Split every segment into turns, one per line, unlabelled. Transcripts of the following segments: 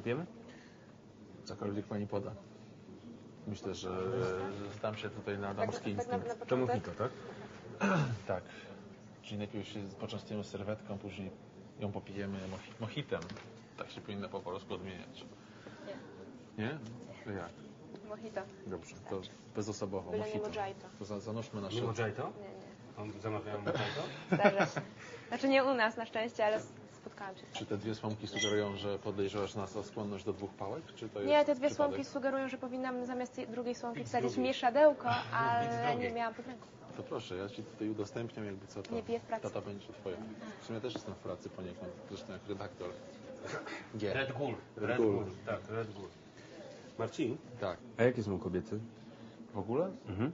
Pijemy?
Cokolwiek pani poda. Myślę, że zdam się tutaj na damski instynkt.
To mojito, tak?
Tak. Czyli najpierw się poczęstujemy serwetką, później ją popijemy mojitem. Tak się powinno po polsku odmieniać.
Nie.
Nie? To jak?
Mojito.
Dobrze, to bezosobowo.
Byle nie
Mojito.
mojito.
To zanurzmy nasze...
Nie mojito?
Nie, nie.
Zamawiałem mojito?
Zdarza się. Znaczy nie u nas na szczęście, ale spotkałam się.
Czy te dwie słomki sugerują, że podejrzewasz nas o skłonność do 2 pałek? Czy to jest
Nie, te dwie
przypadek?
słomki sugerują, że powinnam zamiast tej drugiej słomki wsadzić mieszadełko, ale nie miałam podręku.
To proszę, ja ci tutaj udostępniam, jakby co to.
Nie piję w pracy.
Tata będzie twoja. W sumie też jestem w pracy poniekąd, zresztą jak redaktor. G.
Red Bull.
Red Bull.
Tak, Red Bull. Marcin?
Tak.
A jakie są kobiety?
W ogóle?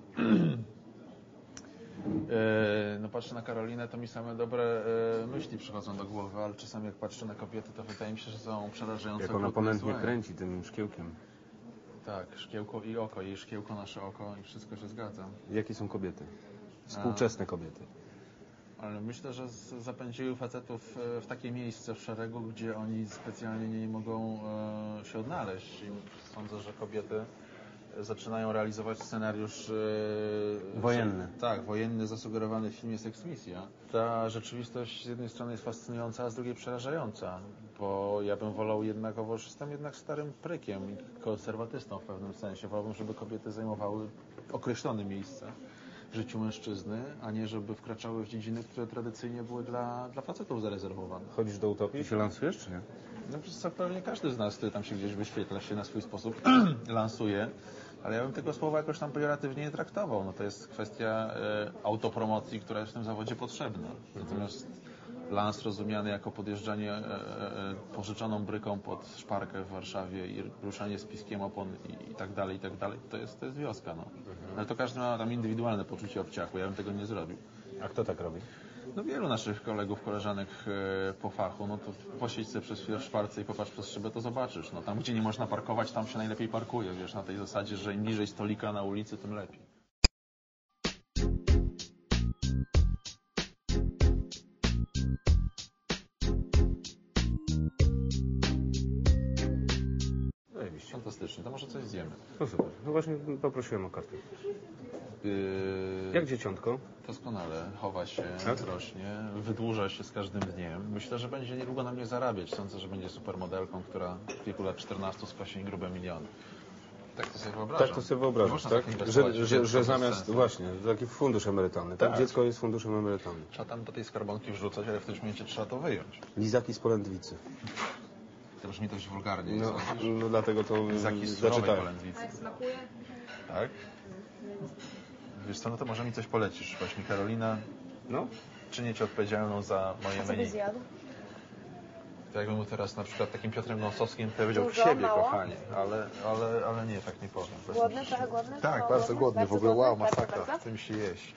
No patrzę na Karolinę, to mi same dobre myśli przychodzą do głowy, ale czasami jak patrzę na kobiety, to wydaje mi się, że są przerażająco
Jak ona
okrutne i
ponętnie
złe.
kręci tym szkiełkiem.
Tak, szkiełko i oko, jej szkiełko, nasze oko i wszystko się zgadza.
Jakie są kobiety? Współczesne kobiety.
Ale myślę, że zapędziły facetów w takie miejsce w szeregu, gdzie oni specjalnie nie mogą się odnaleźć. I sądzę, że kobiety zaczynają realizować scenariusz
Wojenny.
Tak, wojenny zasugerowany w filmie Sex Misja. Ta rzeczywistość z jednej strony jest fascynująca, a z drugiej przerażająca, bo ja bym wolał jednakowoż, jestem jednak starym prykiem i konserwatystą w pewnym sensie. Wolałbym, żeby kobiety zajmowały określone miejsce w życiu mężczyzny, a nie żeby wkraczały w dziedziny, które tradycyjnie były dla facetów zarezerwowane.
Chodzisz do utopii? Ty się lansujesz, czy nie?
No przecież co, pewnie każdy z nas, który tam się gdzieś wyświetla, się na swój sposób lansuje, ale ja bym tego słowa jakoś tam pejoratywnie nie traktował. No to jest kwestia autopromocji, która jest w tym zawodzie potrzebna. Natomiast lans rozumiany jako podjeżdżanie pożyczoną bryką pod szparkę w Warszawie i ruszanie z piskiem opon i tak dalej, to jest wioska. No. Ale to każdy ma tam indywidualne poczucie obciachu. Ja bym tego nie zrobił.
A kto tak robi?
No wielu naszych kolegów, koleżanek po fachu, no to posiedź sobie przez chwilę w szparce i popatrz przez szybę, to zobaczysz. No tam, gdzie nie można parkować, tam się najlepiej parkuje, wiesz, na tej zasadzie, że im bliżej stolika na ulicy, tym lepiej.
Zajebiście.
Fantastycznie, to może coś zjemy.
No super. No właśnie poprosiłem o kartę. Jak dzieciątko?
Doskonale, chowa się,
Tak?
rośnie, wydłuża się z każdym dniem. Myślę, że będzie niedługo na mnie zarabiać. Sądzę, że będzie supermodelką, która w wieku lat 14 skosi grube miliony. Tak to sobie wyobrażam.
Tak to sobie wyobrażasz,
Można
tak?
inwestować w dziecko
Że
bez
zamiast,
sensu.
właśnie, taki fundusz emerytalny, tak?
Tak.
Dziecko jest funduszem emerytalnym.
Trzeba tam do tej skarbonki wrzucać, ale w tym momencie trzeba to wyjąć.
Lizaki z polędwicy.
To brzmi dość wulgarnie.
No,
sądzisz?
no dlatego to
Lizaki z surowej
zaczytałem.
polędwicy.
Jak smakuje?
Tak? Wiesz co, no to może mi coś polecisz właśnie, Karolina.
No,
Czynię Cię odpowiedzialną za moje
Co byś
menu.
zjadł?
To jakbym mu teraz na przykład takim Piotrem Gąsowskim powiedział
Dużo,
w siebie,
mało?
kochanie. Ale nie, tak nie powiem.
Głodny? Trochę głodny?
Tak,
Mało
bardzo głodny. W ogóle
głodny?
wow,
Bardzo,
masakra.
bardzo?
Chce mi się jeść.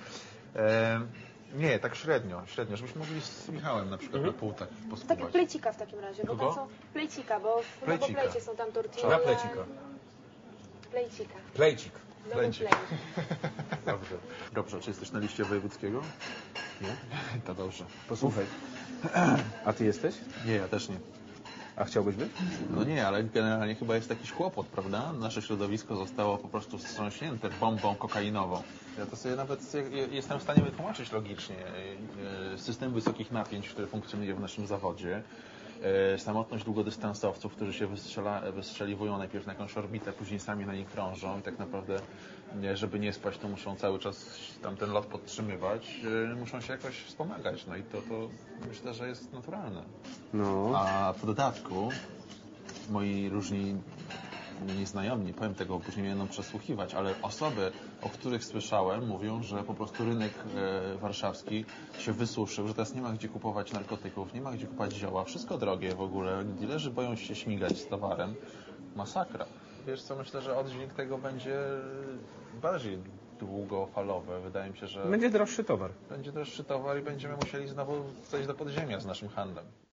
Nie, tak średnio, żebyśmy mogli z Michałem na przykład na pół tak
Takiego
poskubać.
plejcika w takim razie, bo
Kogo?
tam są plejcika, bo w
Plejcika.
Nowoplejcie są tam tortille.
na plecika.
Plejcika.
Plejcik.
Plejcik.
Nowoplej.
Dobrze. Dobrze, czy jesteś na liście wojewódzkiego?
Nie?
To dobrze.
Posłuchaj. A ty jesteś?
Nie, ja też nie.
A chciałbyś być?
No nie, ale generalnie chyba jest jakiś kłopot, prawda? Nasze środowisko zostało po prostu wstrząśnięte bombą kokainową. Ja to sobie nawet jestem w stanie wytłumaczyć logicznie system wysokich napięć, który funkcjonuje w naszym zawodzie. Samotność długodystansowców, którzy się wystrzeliwują najpierw na jakąś orbitę, później sami na niej krążą i tak naprawdę, żeby nie spać, to muszą cały czas tam ten lot podtrzymywać, muszą się jakoś wspomagać. No i to myślę, że jest naturalne.
No.
A w dodatku moi różni nieznajomi, nie powiem tego, później mnie będą przesłuchiwać, ale osoby, o których słyszałem, mówią, że po prostu rynek warszawski się wysuszył, że teraz nie ma gdzie kupować narkotyków, nie ma gdzie kupować zioła, wszystko drogie w ogóle, dilerzy boją się śmigać z towarem. Masakra. Wiesz co, myślę, że oddźwięk tego będzie bardziej długofalowy. Wydaje mi się, że
Będzie droższy towar.
będzie droższy towar i będziemy musieli znowu zejść do podziemia z naszym handlem.